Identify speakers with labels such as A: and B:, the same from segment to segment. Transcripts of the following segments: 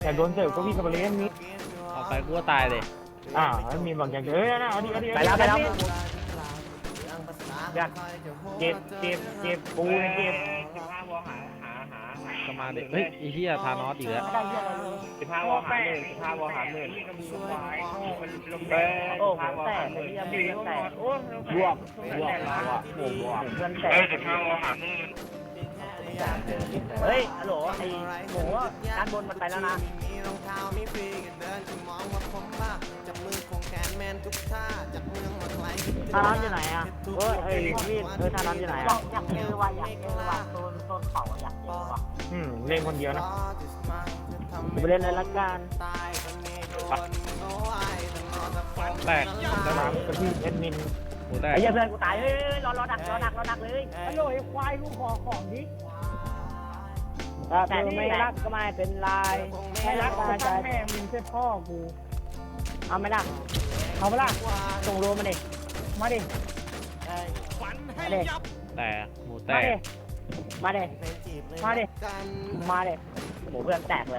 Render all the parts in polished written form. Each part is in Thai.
A: อยากโดนเสิร์ฟก็วิ่งกับเลี้ยงนี้
B: ออกไปกูก็ตายเลย
A: มีบางอย่างเอ้ยนะเอาดิ
C: ไปแล้ว
A: อยากเก็บปูเก็บ
D: 15 วอหา
B: ก็มาเด็กเฮ้ยไอ้เหี้ยทานอสอีกแล้ว
D: 15 วอหา1 15 วอหา1
C: โอ้โหแตกไอ้เหี้ยมีแตก
A: บวกเพื่อนแตก
D: 15 วอหา1
C: เฮ้ยฮัลโหลไอ้หมูด้านบนมันไปแล้วนะ ทารอนอยู่ไหนอ่ะเฮ้ยพี่ทารอนอยู่ไหนอ่ะอยากเจอว่ะโซนเขาอยากเจอว่ะ
A: เล่นคนเดียวนะ
C: ไปเล่นเลยละกัน
B: แตก
A: น้ำกระพี่เอ็ดมิน
B: หมูแตก
C: ไอ้เหี้ยเพื่อนกูตายเฮ้ยรอดักเลยฮัลโหลไอ้ควายลูกขอของดิแต่ไม่รักก็ไม่เป็นไรไม่รักก็ใจแม่มึงใช่พ่อกูเอาไหมล่ะเอาไหมล่ะส่งโรมาดิมาดิ
B: แตกหมูแต
C: มาก ดิหมูเพื่อนแตกเลย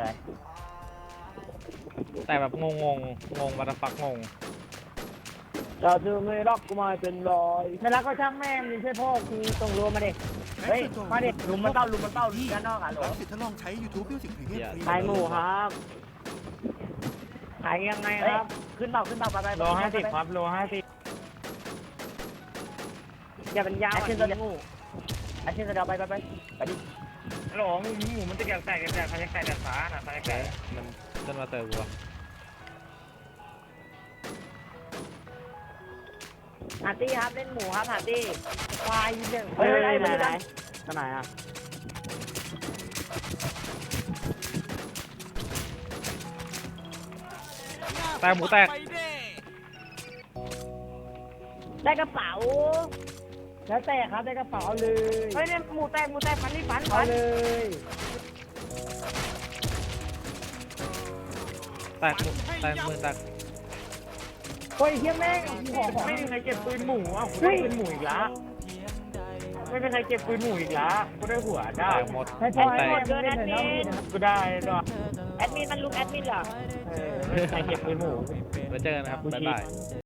B: แต่แบบงงมาตะฟักงง
C: เราจะไม่รักก็ไม่เป็นไรไม่รักก็ช่างแม่มึงใช่พ่อกูส่งโรมาดิเฮ้ยมาดิลุมมันเต้าด้านนอกอ่ะหรอ
E: สิทธิ์ทดลองใช้ YouTube Music Premium
C: ขายหมูครับขายยังไงครับขึ้นเปล่าไป
A: โล50ครับโล50
C: อย่าเป็นยาวอาชีพจะงูอาชีพจะเดาไปดิ
D: ฮัลโหลหมูมันจะแตกใครจะแตกแต่ฟ้าน่ะใครจะแตก
B: มันขึ้นมาเติมกูอะ
C: หาตี้ครับเล่นหมูครับหาตี้ควายยิงเฮ้ยไหนอ่ะ
B: แตกหมูแตก
C: ได้กระเป๋าแล้วแต่ครับได้กระเป๋าเลยเฮ้ยเนี่ยหมูแตกฟันเอาเลย
B: แตกหมูแตกมือแตก
C: เฮ้ยเฮียแม่งของ
A: ไม่มีใครเก็บปืนหมูกูได้ปืนหมูอีกแล้วไม่มีใครเก็บปืนหมูอีกแล้วกูได้หัว
B: แต
A: ได้
B: กหมด
C: ให้
B: แต
C: พ่อก
B: แต
C: ให้หมด
B: ก
C: เกินแอดมิน
A: กูได้ด้วย
C: แอดมินมันลุกแอดมินเหรอ
A: ใครเก็บปืนหมู
B: ไว้เจอกันนะครับบ๊ายบาย